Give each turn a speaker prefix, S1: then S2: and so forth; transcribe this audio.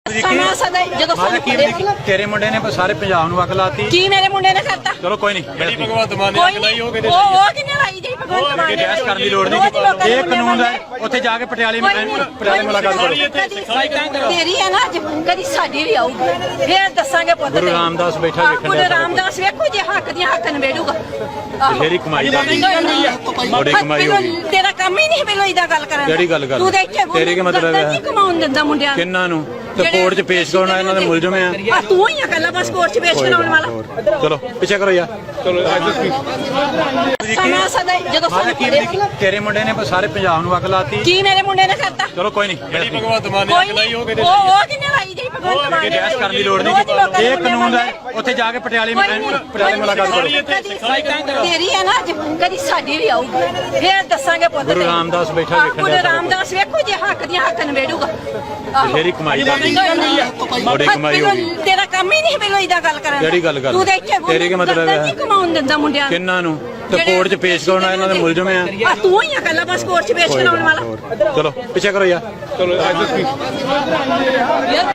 S1: ਸਮਾਂ ਸਦਾ ਜਦੋਂ
S2: ਤੇਰੇ ਮੁੰਡੇ ਨੇ ਸਾਰੇ ਪੰਜਾਬ ਨੂੰ ਅੱਗ ਲਾਤੀ।
S1: ਕੀ ਮੇਰੇ ਮੁੰਡੇ ਨੇ ਕਰਤਾ?
S2: ਚਲੋ ਕੋਈ ਨਹੀਂ,
S3: ਜਿਹੜੀ ਭਗਵੰਤ ਮਾਨ ਨੇ ਅੱਗ ਲਾਈ ਉਹ ਕਿਹਦੇ
S1: ਉਹ ਕਿੰਨੇ ਲਾਈ ਜੀ ਭਗਵੰਤ ਮਾਨ ਨੇ?
S2: ਬਹਿਸ ਕਰਨ ਦੀ ਲੋੜ ਨਹੀਂ। ਇਹ ਕਾਨੂੰਨ ਹੈ, ਉੱਥੇ ਜਾ ਕੇ ਪਟਿਆਲੇ ਮੁਲਾਕਾਤ ਕਰੋ।
S1: ਤੇਰੀ ਹੈ ਨਾ ਅੱਜ, ਕਦੀ ਸਾਡੀ ਵੀ ਆਊਗੀ, ਫੇਰ ਦੱਸਾਂਗੇ ਪੁੱਤ।
S2: ਗੁਰੂ ਰਾਮਦਾਸ ਬੈਠਾ ਵੇਖਣ
S1: ਗੁਰੂ ਰਾਮਦਾਸ ਵੇਖੋ ਜੇ ਹੱਕ ਦੀਆਂ ਹੱਕ ਨਵੇੜੂਗਾ।
S2: ਤੇਰੀ ਕਮਾਈ ਦਾ ਬੜੀ ਕਮਾਈ ਹੋਗੀ।
S1: ਤੇਰਾ ਕੰਮ ਹੀ ਨਹੀਂ ਮੈਨੂੰ ਇਦਾਂ ਗੱਲ ਕਰਨ ਦਾ।
S2: ਕਿਹੜੀ ਗੱਲ
S1: ਤੂੰ ਦੇਖ ਕੇ
S2: ਤੇਰੇ ਕੀ ਮਤਲਬ ਹੈ?
S1: ਨਹੀਂ ਕਮਾਉਣ ਦਿੰਦਾ ਮੁੰਡਿਆਂ ਨੂੰ।
S2: ਕਿੰਨਾਂ ਨੂੰ ਤੇ ਕੋਰਟ 'ਚ ਪੇਸ਼ ਕਰਾਉਣਾ, ਇਹਨਾਂ ਦੇ ਮੁਲਜ਼ਮ ਆ।
S1: ਤੂੰ ਹੀ ਆ ਕੱਲਾ ਬਸ ਕੋਰਟ 'ਚ ਪੇਸ਼ ਕਰਾਉਣ ਵਾਲਾ।
S2: ਚਲੋ ਪਿੱਛੇ ਕਰੋ ਯਾਰ। ਚਲੋ
S1: ਸਮਾਂ ਸਦਾ ਜਦੋਂ
S2: ਤੇਰੇ ਮੁੰਡੇ ਨੇ ਸਾਰੇ ਪੰਜਾਬ ਨੂੰ ਅੱਗ ਲਾਤੀ।
S1: ਕੀ ਮੇਰੇ ਮੁੰਡੇ ਨੇ ਕਰਤਾ?
S2: ਚਲੋ ਕੋਈ ਨਹੀਂ,
S3: ਜਿਹੜੀ ਭਗਵੰਤ ਮਾਨ ਨੇ ਅੱਗ ਲਾਈ ਉਹ ਕਿਹਦੇ
S1: ਉਹ ਕਿੰਨੇ ਲਾਈ ਜੀ ਭਗਵੰਤ ਮਾਨ ਨੇ?
S2: ਬਹਿਸ ਕਰਨ ਦੀ ਲੋੜ ਨਹੀਂ। ਇਹ ਕਾਨੂੰਨ ਹੈ, ਉੱਥੇ ਜਾ ਕੇ ਪਟਿਆਲੇ ਮੁਲਾਕਾਤ ਕਰੋ।
S1: ਤੇਰੀ ਹੈ ਨਾ ਅੱਜ, ਕਦੀ ਸਾਡੀ ਵੀ ਆਊਗੀ, ਫੇਰ ਦੱਸਾਂਗੇ ਪੁੱਤ।
S2: ਗੁਰੂ ਰਾਮਦਾਸ ਬੈਠਾ ਵੇਖਣ
S1: ਗੁਰੂ ਰਾਮਦਾਸ ਵੇਖੋ ਜੇ ਹੱਕ ਦੀਆਂ ਹੱਕ ਨਵੇੜੂਗਾ।
S2: ਤੇਰੀ ਕਮਾਈ ਦਾ ਬੜੀ ਕਮਾਈ ਹੋਗੀ।
S1: ਤੇਰਾ ਕੰਮ ਹੀ ਨਹੀਂ ਮੈਨੂੰ ਇਦਾਂ ਗੱਲ ਕਰਨ ਦਾ।
S2: ਕਿਹੜੀ ਗੱਲ
S1: ਤੂੰ ਦੇਖ ਕੇ
S2: ਤੇਰੇ ਕੀ ਮਤਲਬ ਹੈ?
S1: ਨਹੀਂ ਕਮਾਉਣ ਦਿੰਦਾ ਮੁੰਡਿਆਂ ਨੂੰ।
S2: ਕਿੰਨਾਂ ਨੂੰ ਤੇ ਕੋਰਟ 'ਚ ਪੇਸ਼ ਕਰਾਉਣਾ, ਇਹਨਾਂ ਦੇ ਮੁਲਜ਼ਮ ਆ।
S1: ਤੂੰ ਹੀ ਆ ਕੱਲਾ ਬਸ ਕੋਰਟ 'ਚ ਪੇਸ਼ ਕਰਾਉਣ ਵਾਲਾ।
S2: ਚਲੋ ਪਿੱਛੇ ਕਰੋ ਯਾਰ। ਚਲੋ